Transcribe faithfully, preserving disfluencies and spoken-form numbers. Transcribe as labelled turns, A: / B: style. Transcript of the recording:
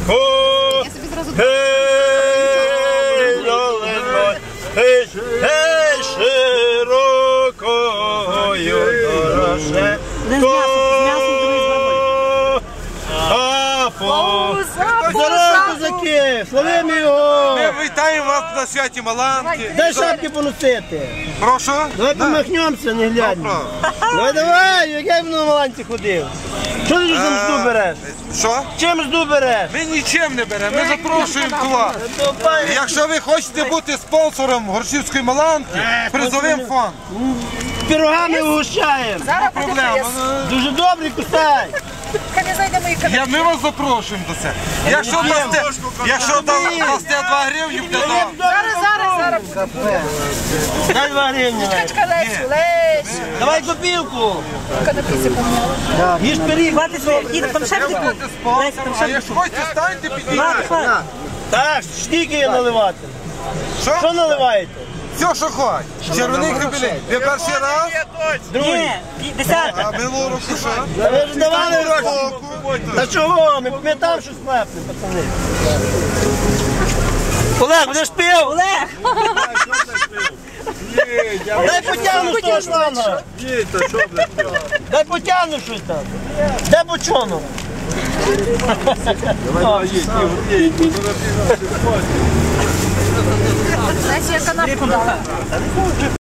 A: Я собі зразу гей, долиною, гей, гей, широкою дороже. А по здорово, козаки, славимо його!
B: Ми вітаємо вас на святі Маланки.
A: Дай шапки поносити.
B: Прошу?
A: Давай помахнемося, не глянемо. Давай, давай, як я на Маланці ходив. Що ти ж там жду береш?
B: Що?
A: Чим жду береш?
B: Ми нічим не беремо, ми запрошуємо до вас. Якщо ви хочете бути спонсором Горшівської Маланки, призовим фонд.
A: Пирогами угощаємо.
B: Нема проблем.
A: Дуже добрий, кусай.
B: Я, ми вас запрошуємо до це. Якщо дасте, якщо дасте два гривні, буде добре.
C: Зараз, зараз, зараз.
A: Дай два гривні.
C: Чекай, Лесю, Лесю.
A: Давай копілку.
C: Канапіси поміняла.
A: Їж пиріг.
B: Будете спонсором, а якщо хочете, станьте підійдіть.
A: Так, стільки є наливати. Що
B: Що?
A: наливаєте?
B: Все, що хочете. Червоний кабелін. Ви перший раз?
A: Другий.
B: А минулого року що?
A: Та ви ж давали гроші.
B: Року.
A: Та чого? Ми, ми там щось лепне, пацани. Олег, будеш пив? Олег! Дай потягну з того шланга. Дай потягну щось там. Де бочонок?
C: Лесю, я канапку дала.